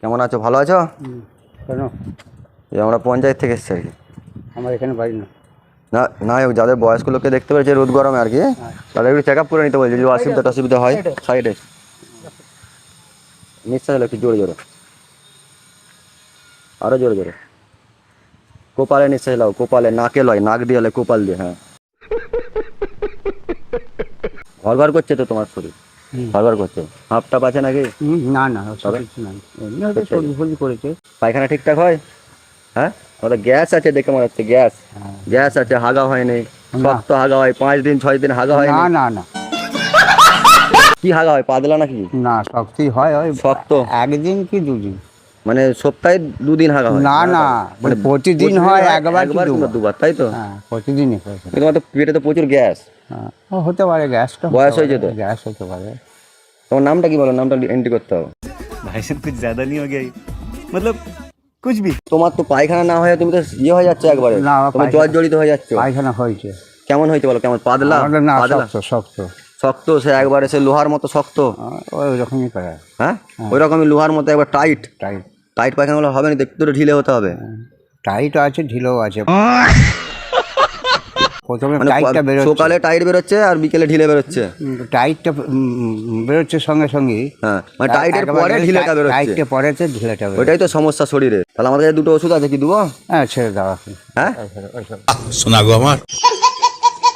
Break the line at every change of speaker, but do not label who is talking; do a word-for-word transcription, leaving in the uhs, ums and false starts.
কেমন আছো? ভালো আছো?
কেন?
এই আমরা পঞ্চায়েত থেকে এসেছি আর কি।
আমার এখানে বাড়ি না।
না না যাদের বয়স্ক লোককে দেখতে পেয়েছে রোদ গরমে আর কি, তাদের একটু চেক আপ করে নিতে বলছি, যদি অসুবিধা অসুবিধা হয়। সাইডে নিঃশ্বাস হলো একটু জোরে জোরে, আরো জোরে জোরে। কোপালে নিঃশ্বাস লাও, কোপালে, নাকে লয়, নাক দিয়ে লয়, কোপাল দিয়ে। হ্যাঁ, ঘর ঘর করছে তো তোমার শরীর, ঘর ঘর করছে। হাফ টাপ আছে নাকি?
না না ওসব কিছু নাই, এমনি হয়তো সবজি ফলজি করেছে।
পায়খানা ঠিকঠাক হয়? হ্যাঁ, ওটা গ্যাস আছে দেখে মনে হচ্ছে, গ্যাস গ্যাস আছে। হাগা হয়নি, শক্ত হাগা হয়, পাঁচ দিন ছয় দিন হাগা হয়
না না না
কি হাগা হয়? পাতলা নাকি?
না শক্তি হয়, ওই
শক্ত।
একদিন কি দুদিন।
মানে সপ্তাহে দুদিন হাগা হয়?
না না মানে প্রতিদিন হয়, একবার কি
একবার কিংবা
দুবার।
দুবার, তাই তো?
হ্যাঁ প্রতিদিনই হয়।
তোমার তো পেটে তো প্রচুর গ্যাস।
হ্যাঁ ও হতে পারে, গ্যাসটা
বয়স হয়েছে তো?
গ্যাস হতে পারে।
তোমার নামটা কি বলো? নামটা এন্ট্রি করতে হবে।
भाई साहब कुछ ज्यादा नहीं हो गया ये? मतलब कुछ भी।
তোমার তো পায়খানা না হয়ে তুমি তো ইয়ে হয়ে যাচ্ছে একবারে,
না,
তোমার জ্বর জড়িত হয়ে যাচ্ছে।
পায়খানা হয়েছে।
কেমন হয়েছে বলো? কেমন পাতলা?
আমাদের না
পাতলা
শক্ত শক্ত।
শক্ত, সে একবারে সে লোহার মতো শক্ত।
ওই রকমই করে।
হ্যাঁ, ওই রকমই লোহার মতো একবার টাইট।
টাইট
টাইট পায়খানাগুলো হবে না, একটু তো ঢিলে হতে হবে।
টাইট আছে, ঢিলেও আছে। প্রথমে
মানে
টাইটটা বেরোচ্ছে,
সকালে টাইট বেরোচ্ছে আর বিকেলে ঢিলে বেরোচ্ছে।
টাইটটা উম, বেরোচ্ছে সঙ্গে সঙ্গে।
হ্যাঁ, মানে টাইটের পরে ঢিলেটা বেরোচ্ছে।
টাইটটা পরেতে ঢিলেটা বেরোচ্ছে।
ওইটাই তো সমস্যা শরীরে। তাহলে আমাদের কাছে দুটো ওষুধ আছে, কি দেবো?
হ্যাঁ ছেড়ে দেওয়া।
হ্যাঁ,
শোনা গো আমার।